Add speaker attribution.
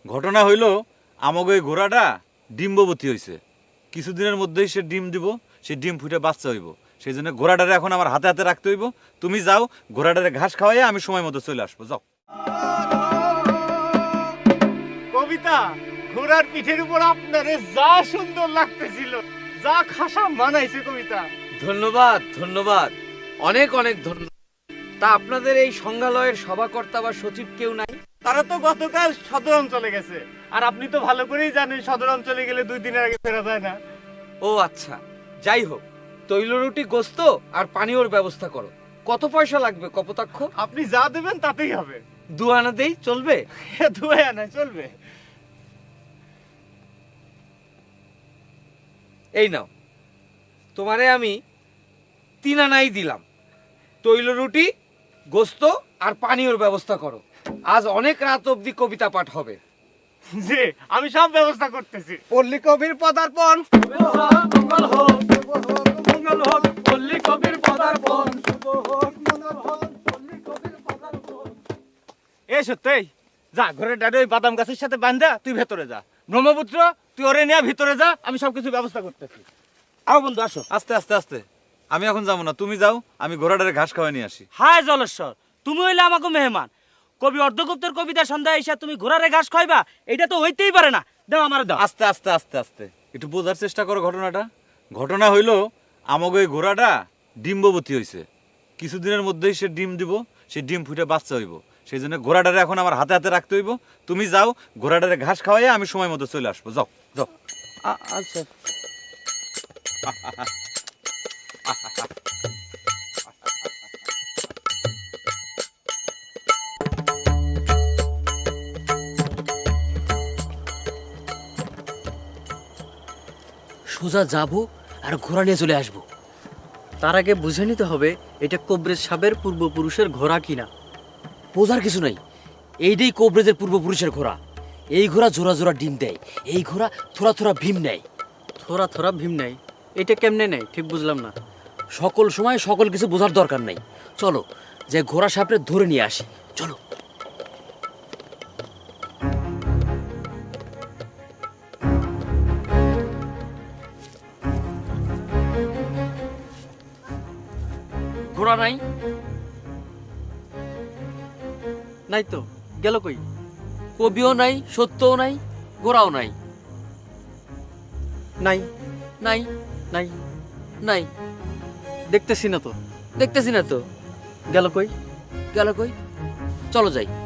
Speaker 1: ঘটনা হইল আমাকে এই ঘোড়াটা ডিম্ববতী হইছে। কিছুদিনের মধ্যেই সে ডিম দিব, সে ডিম ফুটে বাচ্চা হইব। সেই জন্য ঘোড়াটারে এখন আমার হাতে হাতে রাখতে হইব। তুমি যাও, ঘোড়াটারে ঘাস খাওয়াই আমি সময় মতো চলে আসবো। যাও।
Speaker 2: কবিতা, ঘোড়ার পিঠের উপর আপনারে যা সুন্দর লাগতেছিল, যা খাসা মানাইছে কবিতা।
Speaker 3: ধন্যবাদ ধন্যবাদ, অনেক অনেক ধন্যবাদ। তা আপনাদের এই সংগ্রহালয়ের সভাকর্তা বা সচিব কেউ নাই?
Speaker 2: তারা তো গতকাল সদর অঞ্চলে গেছে, আর আপনি তো ভালো করেই জানেন সদর অঞ্চলে গেলে 2 দিনের আগে ফেরা যায় না।
Speaker 3: ও আচ্ছা, যাই হোক, তৈল রুটি, গোস্ত আর পানীয়র ব্যবস্থা করো। কত পয়সা লাগবে কপোতাক্ষ?
Speaker 2: আপনি যা দেবেন তাতেই হবে।
Speaker 3: 2 আনা দেই, চলবে?
Speaker 2: 2 আনা চলবে।
Speaker 3: এই নাও, তোমারে আমি 3 আনাই দিলাম। তৈল রুটি, গোস্ত আর পানীয়র ব্যবস্থা করো। আজ অনেক রাত অবধি কবিতা পাঠ হবে।
Speaker 2: জি, আমি সব ব্যবস্থা করতেছি।
Speaker 3: পল্লী কবির পদার্পণ, পল্লী কবির পদার্পণ।
Speaker 2: এ সত্যি, যা ঘরের ডাডে ওই বাদাম গাছের সাথে বান্ধা তুই ভেতরে যা। ব্রহ্মপুত্র, তুই ওরে নিয়ে ভিতরে যা, আমি সবকিছু ব্যবস্থা করতেছি। আও বন্ধু, আসো।
Speaker 1: আস্তে আস্তে আস্তে, আমি এখন যাবো না, তুমি যাও, আমি ঘোড়াটারে ঘাস খাওয়াই নিয়ে আসি।
Speaker 4: হায় জলেশ্বর, তুমি হইলে আমাকে মেহমান। কবি অর্ধগুপ্তের কবিতা সন্ধ্যায় এসে তুমি ঘোড়ারে ঘাস খাইবা, এটা তো হইতেই পারে না। দাও আমার, দাও।
Speaker 1: আস্তে আস্তে আস্তে আস্তে একটু বোঝার চেষ্টা করো ঘটনাটা। ঘটনা হইল আমাকে এই ঘোড়াটা ডিম্ববতী হইছে। কিছুদিনের মধ্যেই সে ডিম দিব, সে ডিম ফুটে বাচ্চা হইব। সেই জন্য ঘোড়াটারে এখন আমার হাতে হাতে রাখতে হইব। তুমি যাও, ঘোড়াটারে ঘাস খাওয়াই আমি সময় মতো চলে আসবো। যাও যাও।
Speaker 3: আচ্ছা।
Speaker 5: সোজা যাবো আর ঘোড়া নিয়ে চলে আসবো।
Speaker 6: তার আগে বুঝে নিতে হবে এটা কোবরেজ সাবের পূর্বপুরুষের ঘোড়া কিনা।
Speaker 5: বোঝার কিছু নাই, এইটাই কোবরেজের পূর্বপুরুষের ঘোড়া। এই ঘোড়া জোড়া জোড়া ডিম দেয়, এই ঘোড়া থোড়া থোড়া ভীম নেয়।
Speaker 6: থোড়া থোড়া ভীম নাই, এটা কেমনে নেই ঠিক বুঝলাম না।
Speaker 5: সকল সময় সকল কিছু বোঝার দরকার নাই। চলো যে ঘোড়া সাপড়ে ধরে নিয়ে আসি, চলো।
Speaker 3: ঘোড়া নাই?
Speaker 6: নাই তো, গেল কই?
Speaker 5: কবিও নাই, সত্যও নাই, ঘোড়াও নাই।
Speaker 6: নাই
Speaker 5: নাই
Speaker 6: নাই,
Speaker 5: নাই,
Speaker 6: দেখতেছি না তো।
Speaker 5: দেখতেছি না তো।
Speaker 6: গেল কই?
Speaker 5: গেল কই? চলো যাই।